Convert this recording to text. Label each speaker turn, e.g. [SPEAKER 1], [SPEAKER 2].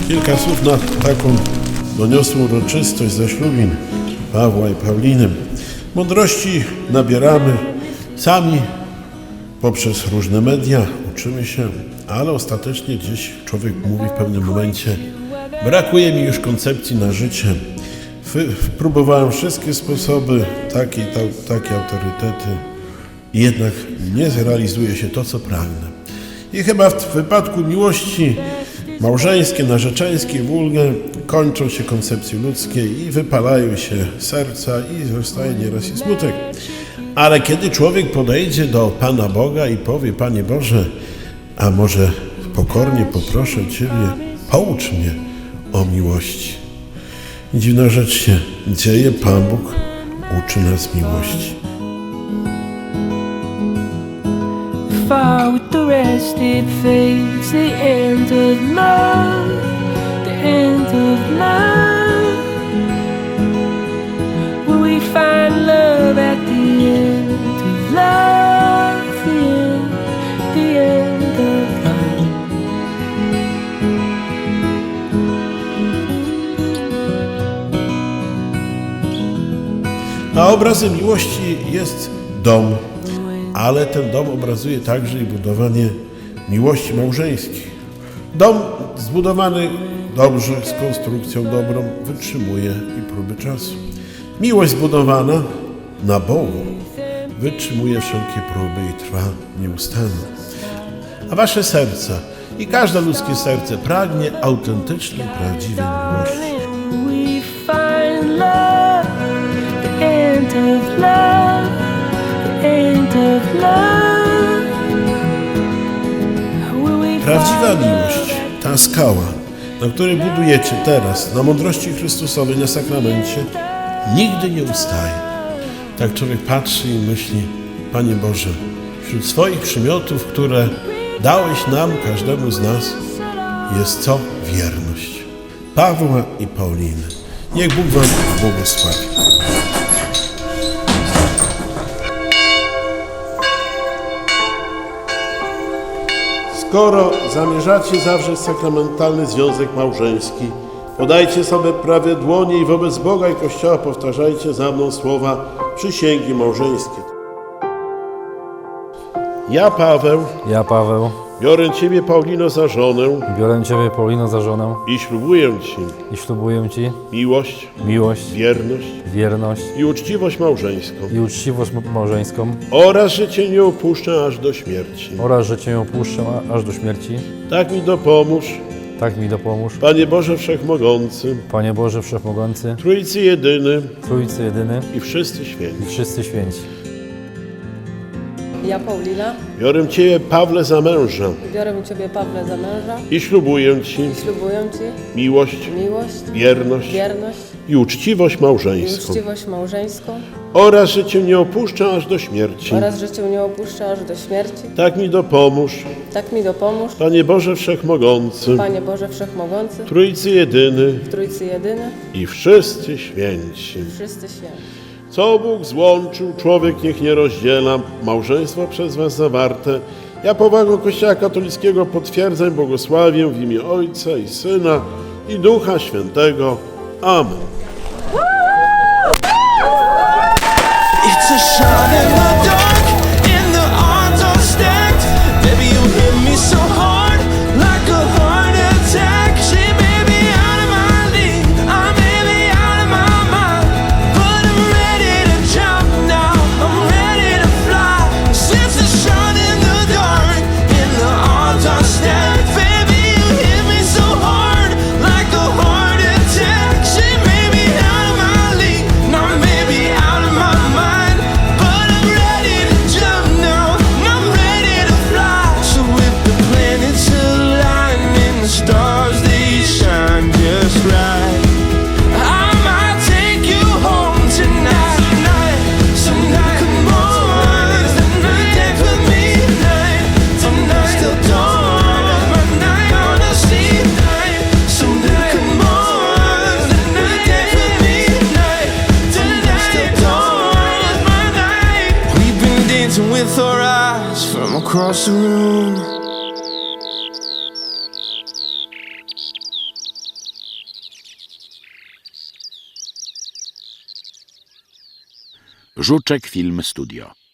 [SPEAKER 1] Kilka słów na taką doniosłą uroczystość zaślubin Pawła i Pauliny. Mądrości nabieramy sami poprzez różne media, uczymy się, ale ostatecznie gdzieś człowiek mówi w pewnym momencie: brakuje mi już koncepcji na życie. Próbowałem wszystkie sposoby, takie autorytety i jednak nie zrealizuje się to, co pragnę. I chyba w wypadku miłości małżeńskiej, narzeczeńskiej, wulgę kończą się koncepcje ludzkie i wypalają się serca i zostaje nieraz i smutek. Ale kiedy człowiek podejdzie do Pana Boga i powie: Panie Boże, a może pokornie poproszę Ciebie, poucz mnie o miłości. I dziwna rzecz się dzieje, Pan Bóg uczy nas miłości.
[SPEAKER 2] Far with the rest, it fades, the end of love, the end of love. Will we find love at the end of love, the end of love?
[SPEAKER 1] A obrazem miłości jest dom, ale ten dom obrazuje także i budowanie miłości małżeńskiej. Dom zbudowany dobrze, z konstrukcją dobrą, wytrzymuje i próby czasu. Miłość zbudowana na Bogu wytrzymuje wszelkie próby i trwa nieustannie. A wasze serca i każde ludzkie serce pragnie autentycznej, prawdziwej miłości.
[SPEAKER 2] We find love, the end of love, the end of love. Will we
[SPEAKER 1] Prawdziwa
[SPEAKER 2] find
[SPEAKER 1] miłość, ta skała, na której budujecie teraz, na mądrości Chrystusowej, na sakramencie, nigdy nie ustaje. Tak człowiek patrzy i myśli: Panie Boże, wśród swoich przymiotów, które dałeś nam, każdemu z nas, jest co? Wierność. Pawła i Pauliny. Niech Bóg wam błogosławi. Skoro zamierzacie zawrzeć sakramentalny związek małżeński, podajcie sobie prawe dłonie i wobec Boga i Kościoła powtarzajcie za mną słowa przysięgi małżeńskiej. Ja, Paweł, biorę Ciebie, Paulino, za żonę
[SPEAKER 3] Biorę Ciebie, Paulino, za żonę
[SPEAKER 1] i ślubuję Ci
[SPEAKER 3] i ślubuję Ci
[SPEAKER 1] miłość,
[SPEAKER 3] wierność
[SPEAKER 1] i uczciwość małżeńską
[SPEAKER 3] i uczciwość małżeńską
[SPEAKER 1] oraz, że Cię nie opuszczę aż do śmierci.
[SPEAKER 3] oraz, że Cię opuszczę aż do śmierci.
[SPEAKER 1] Tak mi dopomóż,
[SPEAKER 3] Tak mi dopomóż,
[SPEAKER 1] Panie Boże Wszechmogący,
[SPEAKER 3] Panie Boże Wszechmogący,
[SPEAKER 1] Trójcy Jedyny
[SPEAKER 3] Trójcy Jedyny
[SPEAKER 1] i wszyscy święci.
[SPEAKER 3] i wszyscy święci.
[SPEAKER 4] Ja, Paulina,
[SPEAKER 1] Biorę Ciebie, Pawle, za męża
[SPEAKER 4] biorę Ciebie, Pawle, za męża
[SPEAKER 1] i ślubuję Ci
[SPEAKER 4] i ślubuję Ci
[SPEAKER 1] miłość,
[SPEAKER 4] wierność
[SPEAKER 1] i uczciwość
[SPEAKER 4] i
[SPEAKER 1] małżeńską
[SPEAKER 4] uczciwość małżeńską
[SPEAKER 1] oraz, że Cię nie opuszczę aż do śmierci.
[SPEAKER 4] oraz, że Cię nie opuszczę aż do śmierci.
[SPEAKER 1] Tak mi dopomóż,
[SPEAKER 4] Tak mi dopomóż,
[SPEAKER 1] Panie Boże Wszechmogący,
[SPEAKER 4] Panie Boże Wszechmogący,
[SPEAKER 1] Trójcy Jedyny
[SPEAKER 4] Trójcy Jedyny,
[SPEAKER 1] i wszyscy święci.
[SPEAKER 4] wszyscy święci.
[SPEAKER 1] Co Bóg złączył, człowiek niech nie rozdziela. Małżeństwo przez Was zawarte. Ja powagą Kościoła katolickiego potwierdzam, błogosławię w imię Ojca i Syna i Ducha Świętego. Amen.
[SPEAKER 5] It's a shot in the dark, and the odds are stacked. Baby, you hit me so hard, like a heart attack. She may be out of my league, I may be out of my mind, but I'm ready to jump now, I'm ready to fly. It's a shot in the dark, and the odds are stacked. Baby, you hit me so hard, like a heart attack. She may be out of my league, and I may be out of my mind, but I'm ready to jump now, I'm ready to fly. So if the planets align and the stars they shine just right, I might take you home tonight. Tonight, come on, dance with me tonight. Tonight, still dawn of my night, wanna see tonight. So come on, dance with me tonight. Tonight, still dawn of my night. We've been dancing with our eyes from across the room.
[SPEAKER 6] Żuczek Film Studio.